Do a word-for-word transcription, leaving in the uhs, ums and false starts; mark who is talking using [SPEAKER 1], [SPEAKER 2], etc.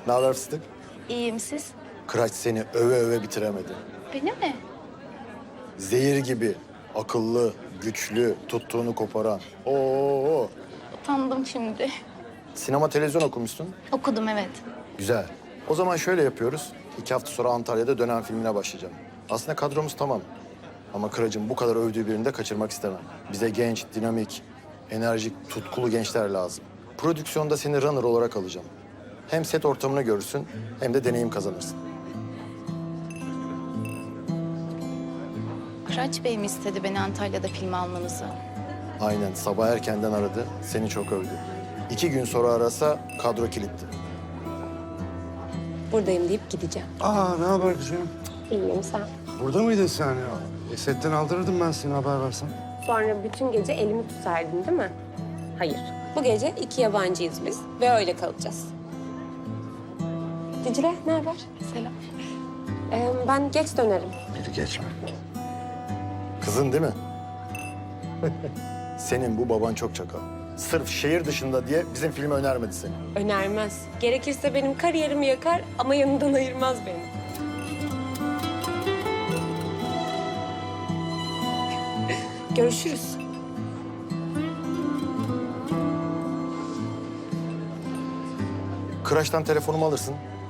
[SPEAKER 1] Ne haber fıstık?
[SPEAKER 2] İyiyim siz?
[SPEAKER 1] Kıraç seni öve öve bitiremedi.
[SPEAKER 2] Beni mi?
[SPEAKER 1] Zehir gibi, akıllı, güçlü, tuttuğunu koparan. Oo.
[SPEAKER 2] Utandım şimdi.
[SPEAKER 1] Sinema televizyon okumuşsun.
[SPEAKER 2] Okudum evet.
[SPEAKER 1] Güzel. O zaman şöyle yapıyoruz. İki hafta sonra Antalya'da dönem filmine başlayacağım. Aslında kadromuz tamam. Ama Kıraç'ın bu kadar övdüğü birini de kaçırmak istemem. Bize genç, dinamik, enerjik, tutkulu gençler lazım. Prodüksiyonda seni runner olarak alacağım. Hem set ortamını görürsün hem de deneyim kazanırsın.
[SPEAKER 2] Kıraç Bey mi istedi beni Antalya'da film almanızı?
[SPEAKER 1] Aynen, sabah erkenden aradı, seni çok övdü. İki gün sonra arasa kadro kilitli.
[SPEAKER 3] Buradayım deyip gideceğim.
[SPEAKER 4] Aa ne haber kızım?
[SPEAKER 3] İyiyim sen.
[SPEAKER 4] Burada mıydın sen ya? E, setten aldırırdım ben seni haber versen.
[SPEAKER 3] Sonra bütün gece elimi tutardın değil mi? Hayır. Bu gece iki yabancıyız biz ve öyle kalacağız. Dicle ne haber?
[SPEAKER 2] Selam.
[SPEAKER 3] Ee, ben geç dönerim.
[SPEAKER 4] Biri geçme.
[SPEAKER 1] Kızın değil mi? Senin bu baban çok çakal. Sırf şehir dışında diye bizim filmi önermedi seni.
[SPEAKER 3] Önermez. Gerekirse benim kariyerimi yakar ama yanından ayırmaz beni. Görüşürüz.
[SPEAKER 1] Kıraç'tan telefonumu alırsın.